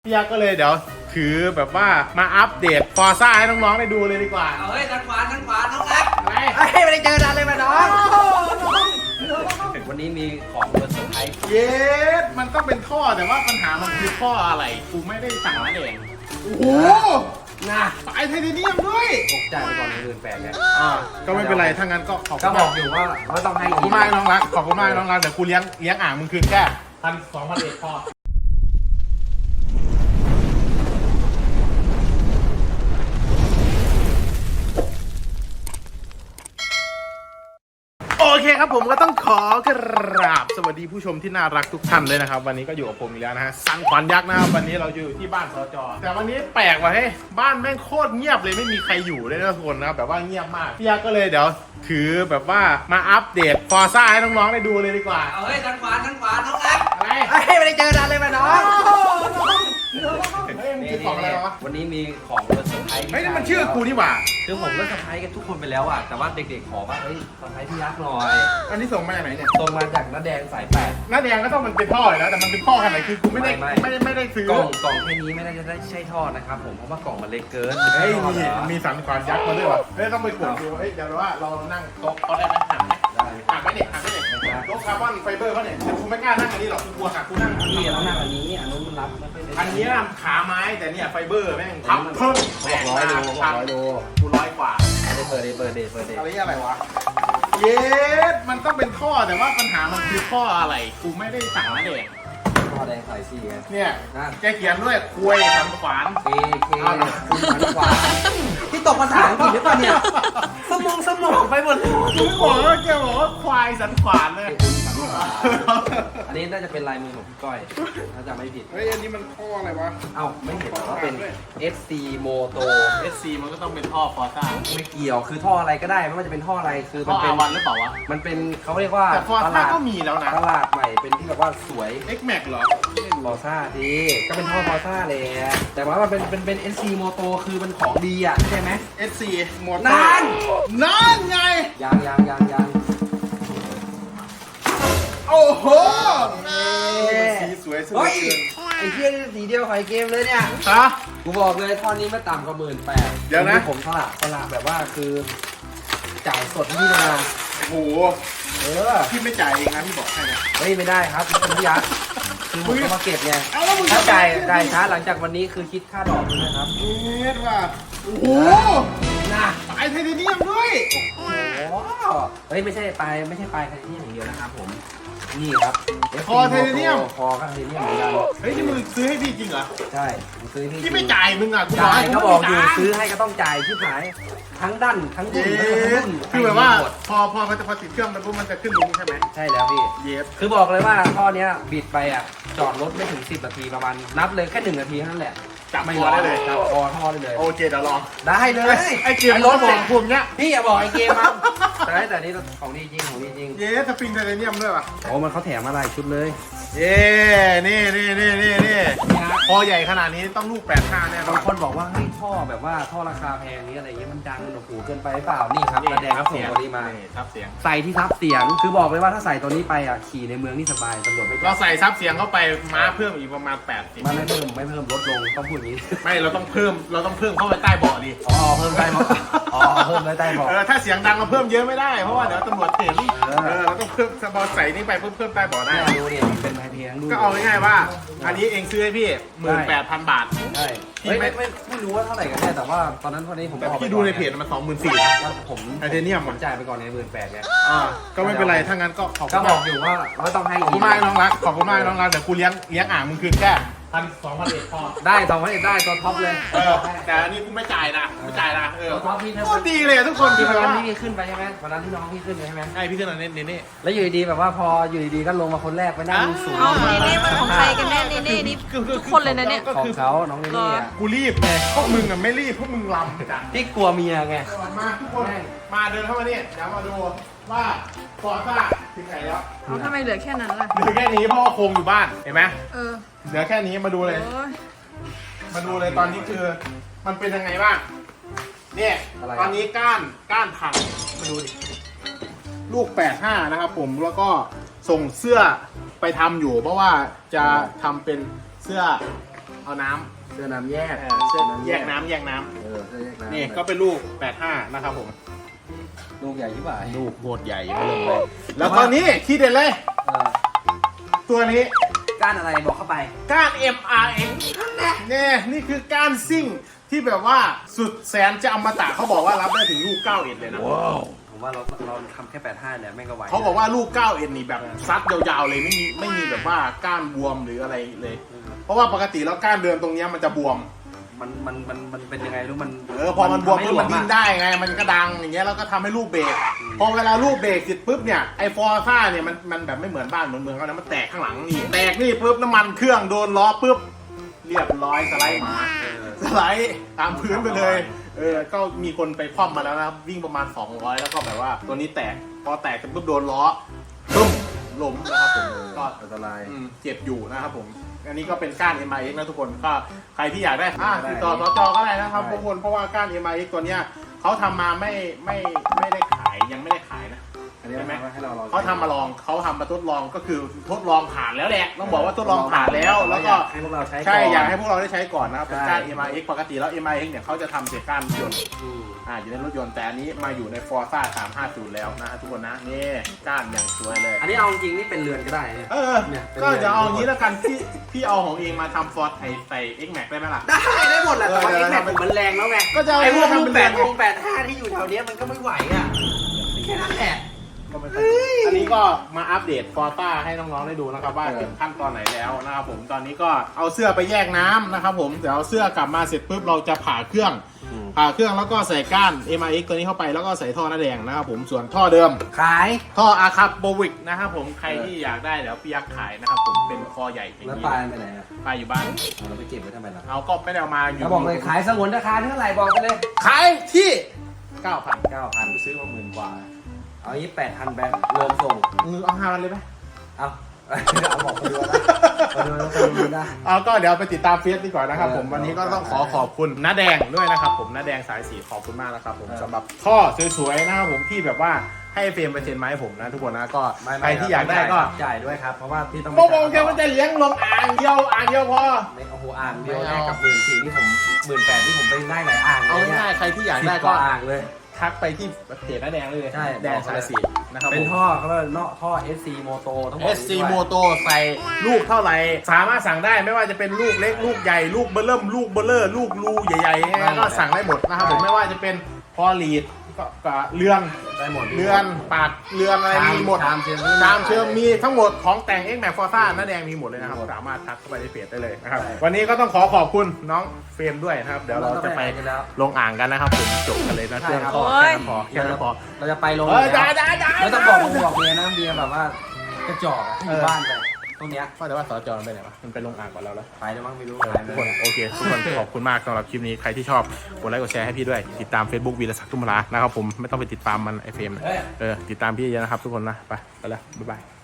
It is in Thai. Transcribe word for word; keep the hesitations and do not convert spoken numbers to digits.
พี่ยักษ์ก็เลยเดี๋ยวถือแบบว่ามาอัปเดตฟอร์ซ่าให้น้องๆได้ดูเลยดีกว่าเอาเฮ้ยทางขวาทางขวาน้องรักอะไรเฮ้ยไม่ได้เจอนานเลยมาน้องวันนี้มีของมาเซอร์ไพรส์เย็ดมันต้องเป็นท่อแต่ว่าปัญหามันคือท่ออะไรกูไม่ได้สั่งมาเองโอ้โหนะสายไทเทเนียมด้วยตกใจไปก่อนในเดือนแปดเนี่ยอ่าก็ไม่เป็นไรถ้างั้นก็ขอบคุก็ณบมาอก กอยู่ว่าเขาต้องให้ขอบคุณมากน้องรักขอบคุณมากน้องรักเดี๋ยวกูเลี้ยงเลี้ยงอ่างมึงคืนแค่พันสองพันเอ็ดพอโอเคครับผมก็ต้องขอกราบสวัสดีผู้ชมที่น่ารักทุกท่านเลยนะครับวันนี้ก็อยู่กับผมอีกแล้วนะฮะสันขวัญยักษ์นะครับวันนี้เราอยู่ที่บ้านสจแต่วันนี้แปลกว่ะเฮ้ยบ้านแม่งโคตรเงียบเลยไม่มีใครอยู่เลยนะทุกคนนะครับแบบว่าเงียบมากพี่ยักษ์ก็เลยเดี๋ยวถือแบบว่ามาอัปเดตฟอร์ซ่าให้น้องๆได้ดูเลยดีกว่าเอาเฮ้ยทางขวาทางขวาน้องรักอะไรเฮ้ยไม่ได้เจอนานเลยมาน้องเฮ้ยมันคือของอะไรวะวันนี้มีของมาเซอร์ไพรส์เฮ้ยนี่มันชื่อกูนี่หว่าคือผมก็เซอร์ไพรส์กันทุกคนไปแล้วอ่ะแต่ว่าเด็กๆขอว่าเฮ้ยเซอร์ไพรส์พี่ยักษ์หน่อยอันนี้ส่งมาจากไหนเนี่ยตรงมาจากน้าแดงสายแปดหน้าแดงก็ต้องมันเป็นท่ออยู่แล้วแต่มันเป็นท่อขนาดไหนคือกูไม่ได้ไม่ไม่ได้ไม่ได้ซื้อกล่องกล่องแค่นี้ไม่น่าจะได้ใช่ทอดนะครับผมเพราะว่ากล่องมันเล็กเกินเฮ้ยไม่มีใช่ทอดเหรอมีสันขวานยักษ์มาด้วยวะเฮ้ยต้องไปกดดูเฮ้ยเดี๋ยวว่าเรานั่งโต๊ะเขาได้ไหมหักไหมได้หักไหมเนี่ยหักไหมเนี่ยโต๊ะคาร์บอนไฟเบอร์เขาเนี่ยแต่กูไม่กล้านั่งอันนี้หรอกกูกลัวหักกูนั่งอันนี่นี้แล้วหน้าอันนี้อันนู้นมันรับไม่ค่อยได้อันนี้ขาไม้แต่เนี่ยไฟเบอร์แม่งพับเพิ่มหกร้อยโลหกร้อยโลกูร้อยกว่าได้เปิดได้เปิดได้เปิดได้อะไรอะไรวะเย็ดมันต้องเป็นท่อแต่ว่าปัญหามันคือท่ออะไรกูไม่ได้สั่งมาเองทอดแดงสายสี่ไงเนี่ยนะแกเขียนด้วยคุยสันขวานเคเคคุณมันขวาที่ตกภาษาอังกฤษหรือเปล่าเนี่ยสมองสมองไปหมดเลยกูไม่บอกว่าแกบอกว่าควายสันขวานเลยอันนี้น่าจะเป็นลายมือของพี่ก้อยถ้าจำไม่ผิดเฮ้ยอันนี้มันท่ออะไรวะเอ้าไม่เห็นว่าเป็น เอฟ ซี Moto เอสซีมันก็ต้องเป็นท่อฟอร์ซ่าไม่เกี่ยวคือท่ออะไรก็ได้ไม่ว่าจะเป็นท่ออะไรคือท่มัอนเป็อาน วันหรือเปล่าวะมันเป็นเขาเรียกว่าแต่ฟอร์ตซ่าลาดก็มีแล้วนะตลาดใหม่เป็นที่แบบว่าสวย X Max เหรอฟอร์ซ่าดีก็เป็นท่อฟอร์ซ่าเลยแต่ว่ามันเป็นเป็นเป็น เอส ซี Moto คือมันของดีอ่ะใช่ไหมเอสซีหมดนานนานไงยังยังยังยังโอ้โหเอ๊ะสีสวยสุดเฮ้ยเกินไอ้เที่ยนี่สีเดียวกับไอ้เกมเลยเนี่ยฮะกูบอกเลยท่อนนี้ไม่ต่ำกว่าหมื่นแปดเดี๋ยวนะผมสละสละแบบว่าคือจ่ายสดที่นาโอ้โหเออพี่ไม่จ่ายเองนะพี่บอกให้นะเฮ้ยไม่ได้ครับเป็นพี่ยักษ์คือผมต้องมาเก็บไงเอาแล้วมึงถ้าจะจ่ายจ่ายช้าหลังจากวันนี้คือคิดค่าดอกด้วยนะครับเอ็ดว่ะโอ้โหนะสายไทเทเนียมด้วยโอ้โหเฮ้ยไม่ใช่ปลายไม่ใช่ปลายไทเทเนียมอย่างเดียวนะครับผมนี่ครับคอไทเทเนียมคอก็ไทเทเนียมเหมือนกันเฮ้ยนี่มึงซื้อให้พี่จริงเหรอใช่ผมซื้อที่พี่ไม่จ่ายมึงอ่ะกูจ่ายให้ก็มึงบอกอยู่ไม่จ่ายซื้อให้ก็ต้องจ่ายที่หายทั้งดั้นทั้งเยดุนทั้งสรุ่นคือแบบว่าให้หมดพอพอมันจะพอติดเครื่องมันปุ๊บมันจะขึ้นลุงใช่ไหมใช่แล้วพี่เยสคือบอกเลยว่าท่อเนี้ยบิดไปอ่ะจอดรถไม่ถึงสิบนาทีประมาณนับเลยแค่หนึ่งนาทีเท่านั้นแหละจับไม่คอได้เลยจับคอท่อได้เลยโอเคเดี๋ยวลองได้เลยไอ้เกมรรถถบบ ออก กกลุ่มเนี้ยพี่อย่าบอกไอ้เกมมันแต่แต่นี่ของดีจริงของดีจริงเยสสปริงไทเทเนียมด้วยป่ะโอ้มันเขาแถมมาหลายชุดเลยเย้นี่นี่นี่นี่นี่พอใหญ่ขนาดนี้ต้องลูกแปดห้าแน่นอบาน งคนบอกว่าเฮ้ยท่อแบบว่าท่อราคาแพงนี้อะไรเงี้ยมันดังมันโอ้โหเกินไปหรือเปล่านี่ครับกระแดงเขาส่งตัวนี้มาซับเสียงใส่ที่ทับเสียงคือบอกเลยว่าถ้าใส่ตัวนี้ไปอ่ะขี่ในเมืองนี่สบายตำรวจไม่จัเราบใส่ซับเสียงเข้าไปม้าเพิ่มอีกประมาณแปดสิบมันไม่เพิ่มไม่เพิ่มลดลงต้องพูดอย่างนี้ไม่เราต้องเพิ่มเราต้องเพิ่มเข้าไปใต้เบาะดิอ๋อเพิ่มได้บอกอ๋อเพิ่มได้ได้บอกเออถ้าเสียงดังเราเพิ่มเยอะไม่ได้เพราะว่าเดี๋ยวตำรวจเห็นเออเออเราต้องเพิ่มสบอใส่นี่ไปเพิ่มเพิ่มใต้เบาะได้เนี่ยดูเนี่ยมันเป็นไทเทนดูก็เอาง่ายๆว่า อันนี้เองซื้อให้พี่หมื่นแปดพันบาทใช่เฮ้ยไม่ไม่ไม่รู้ว่าเท่าไหร่กันแน่แต่ว่าตอนนั้นตอนนี้ผมแต่ออกไปพี่ดูในเพจมันสองหมื่นสี่ว่าผมไทเทเนียมผอ่ะมจ่ายไปก่อนในหมื่นแปดเนี่ยอ่าก็ไม่เป็นไรถ้างั้นก็ขอบคุก็ณบมาอก กอยู่ว่าเราต้องให้ขอบคุณมากน้องรักขอบคุณมากน้องรักเดี๋ยวกูเลี้ยงเลี้ยงอ่างมึงคืนแค่พันสองพันเอ็ดพอได้สองพันเอ็ดได้ตัวท็อปเลยเออแต่อันนี้กูไม่จ่ายนะไม่จ่ายนะเออตัวท็อปพี่โคตรดีเลยอะทุกคนที่คือวันแบบนั้นว่าที่พี่ขึ้นไปใช่ไหมวันนั้นที่น้องพี่ขึ้นไปใช่ไหมไอพี่ขึ้นมาเน้นนี่แล้วอยู่ดีๆแบบว่าพออยู่ดีๆก็ลงมาคนแรกไปนั่งสูงเอาเนเน่มันของใครกันแน่เนเน่นี่ทุกคนเลยนะเนี่ยก็ของคือเขาน้องเนเน่อะกูรีบไงพวกมึงอะไม่รีบพวกมึงลำจ้ะที่กลัวเมียไงมาทุกคนมาเดินเข้ามาเนี่ยเดี๋ยวมาดูว่าฟอร์ซ่าถึงไหนแล้วเอาทำไมเหลือแค่นั้นล่ะเหลือแค่นี้เพราะว่าโครงอยู่บ้านเห็นไหมเออเหลือแค่นี้มาดูเลยโอ้ยมาดูเลยตอนนี้คือมันเป็นยังไงบ้างเนี่ยอะไรตอนนี้ก้านก้านพังมาดูดิลูกแปดห้านะครับผมแล้วก็ส่งเสื้อไปทำอยู่ เพราะว่าจะทำเป็นเสื้อำเอาน้ำเสื้อน้ำแยกเออเสื้อแยกน้ำแยกน้เออเสื้อแยกน้ำำนี่ก็เป็นลูกแปดห้านะครับผมลูกใหญ่ที่บ่ายลูกโคตรใหญ่มาเลย แล้วตอนนี้ที่เด็ดเลยเออตัวนี้ก้านอะไรบอกเข้าไปก้าน เอ็ม อาร์ เอ็กซ์ เนี่ยนี่คือก้านซิ่งที่แบบว่าสุดแสนจะอมตะเขาบอกว่ารับได้ถึงลูกเก้าเอ็ดเลยนะผมว่าเราเราทำแค่แปดห้าเนี่ยแม่งก็ไหวเขาบอกว่าลูกเก้าเอ็ดนี่แบบซัดยาวๆเลยไม่มีไม่มีแบบว่าก้านบวมหรืออะไรเลย เพราะว่าปกติแล้วก้านเดือนตรงเนี้ยมันจะบวมมันมันมันมันเป็นยังไงรู้มันเออพอมันบวมปุ๊บมันทำให้หลดิ้นได้ไงมันก็ดังอย่างเงี้ยแล้วก็ทำให้ลูกเบรกพอเวลาลูกเบรกเสร็จปุ๊บเนี่ยไอฟอร์ซ่าเนี่ยมันมันแบบไม่เหมือนบ้านเหมือนเมืองเขานะมันแตกข้างหลังนี่แตกนี่ปุ๊บน้ำมันเครื่องโดนล้อปุ๊บเรียบร้อยสไลด์หมาเออสไลด์ตามพื้นไปเลยเออก็มีคนไปคว่ำมาแล้วนะครับวิ่งประมาณสองร้อยแล้วก็แบบว่าตัวนี้แตกพอแตกเสร็จปุ๊บโดนล้อปุ๊บล้มนะครับผมก็อันตรายอืมเจ็บอยู่นะครับผม อันนี้ก็เป็นก้าน เอ็ม ไอ เอ็กซ์ นะทุกคน ก็ใครที่อยากได้อ่าติดต่อสจก็ได้นะครับทุกคน เพราะว่าก้าน เอ็ม ไอ เอ็กซ์ ตัวเนี้ยเขาทำมาไม่ไม่ไม่ได้ขายยังไม่ได้ขายนะอันนี้ใช่ไหมให้เราลองเขาทำมาลองเขาทำมาทดลองก็คือทดลองผ่านแล้วแหละต้องบอกว่าทดลองผ่านแล้ว แล้วก็ให้พวกเราใช้ใช่ก่นอยากให้พวกเราได้ใช้ก่อนนะครับเป็นใช่ก้าน เอ็ม ไอ เอ็กซ์ ปกติแล้ว เอ็ม ไอ เอ็กซ์ เนี่ยเขาจะทำเสียก้านยนต์อืมอ่าอยู่ในรถยนต์แต่อันนี้มาอยู่ใน Forza สามห้าศูนย์แล้วนะฮะทุกคนนะนี่ก้านอย่างสวยเลยอันนี้เอาจริงๆนี่เป็นเรือนก็ได้เนี่ยเออเนี่ยเป็นก็จะเอาอย่างนี้แล้วกันพี่พี่เอาของเองมาทำฟอร์ดไอใส่ X Max ได้ไหมล่ะได้ได้หมดแหละแต่ว่าเอเอ็อกแม็กเออมันแรงแล้วไงก็จะเอาไอ้พวกทำลูเป็กนแปแรดงวงแปดห้าที่อยู่แถวเนี้ยมันก็ไม่ไหวอ่ะแค่นั้นแหละก็ไม่เป็นไรอันนี้ก็มาอัปเดตฟอร์ต้าให้น้องๆได้ดูนะครับว่าเออถึงขั้นตอนไหนแล้วนะครับผมตอนนี้ก็เอาเสื้อไปแยกน้ำนะครับผมเดี๋ยวเอาเสื้อกลับมาเสร็จปุ๊บเราจะผ่าเครื่อง ผ่าเครื่องแล้วก็ใส่ก้าน เอ็ม ไอ เอ็กซ์ ตัวนี้เข้าไปแล้วก็ใส่ท่อหน้าแดงนะครับผมส่วนท่อเดิมขายท่ออาคาโบวิกนะครับผมใครที่อยากได้เดี๋ยวพี่ยักษ์ขายนะครับผมเป็นคอใหญ่อย่างแล้วนี้ปลายไปไหนอ่ะปลาอยู่บ้านเอาเราไปเก็บไว้ทำไมล่ะเอาก็ไม่ได้เอามาอยู่เราบอกเลยขายสงวนราคาเท่าไหร่บอกไปเลยขายที่ เก้าพันเก้าพันซื้อมาหมื่นกว่า เอายี่แปดพันแบงค์รวมส่งมือเอาห้าพันเลยไหมเอาเอาบอกไปดูนะไปดูนะไปดูนะเอาก็เดี๋ยวไปติดตามเฟซดีกว่านะครับผมเออวันนี้ก็ต้องขอขอบคุณน้าแดงด้วยนะครับผมน้าแดงสายสีขอบคุณมากนะครับผมเออสำหรับท่อสวยๆนะครับผมที่แบบว่าให้เฟรมไปเซ็นไมาให้ผมนะทุกคนนะก็ไม่ใครที่อยากได้ก็จ่ายด้วยครับเพราะว่าพี่ต้องโมโมแกมันจะเลี้ยงลงอ่างเดียวอ่างเดียวพอไม่โอ้โหอ่างเดียวไม่ได้เอากับหมื่นสี่ที่ผมหมื่นแปดที่ผมไปได้หลายอ่างเอาเลยเนี่ยง่ายๆใครที่อยากสิบได้กก็ว่าอ่างเลยทักไปที่เพจน้าแดงเลยใช่แดงสายสีนะครับเป็นผมท่อเขาเรียกเนาะท่อ เอส ซี Moto ต้องบเออกส ซีด้วยโมโตใส่ลูกเท่าไหร่สามารถสั่งได้ไม่ว่าจะเป็นลูกเล็กลูกใหญ่ลูกเบลเริ่มลูกเบลเลอร์ลูกรูใหญ่ๆยังไงก็สั่งได้หมดนะครับผมไม่ว่าจะเป็นพอลีดก็ก็เรือนได้หมดเรือนปากเรือนอะไรมีหมดชามเชิญชามเชิญมีทั้งหมดของแต่ง X Max Forza น้าแดงมีหมดเลยนะครับสามารถทักเข้าไปในเพจได้เลยนะครับวันนี้ก็ต้องขอขอบคุณน้องเฟรมด้วยนะครับเดี๋ยวเราจะไปกันแล้วลงอ่างกันนะครับผมจบกันเลยนะใช่เพื่อนครับพอโอ้แค่ยนั้นพอแค่นั้นพอเราจะไปลงเออได้ได้ได้ไม่ต้องบอกผมบอกเมียนะเมียแบบว่ากระจอกอะที่อยู่บ้านไปตรงเนี้ยว่าแต่ว่าสจมันไปไหนวะมันไปลงอ่างก่อนแล้วแล้วไปแล้วมั้งไม่รู้เออทุกคนโอเคทุกคนขอบคุณมากสำหรับคลิปนี้ใครที่ชอบกดไลค์กดแชร์ให้พี่ด้วยติดตาม Facebook วีรศักดิ์ตุ้มรานะครับผมไม่ต้องไปติดตามมันไอเฟรมนะเอ้ยเออติดตามพี่เยอะนะครับทุกคนนะไปไปแล้วบ๊ายบาย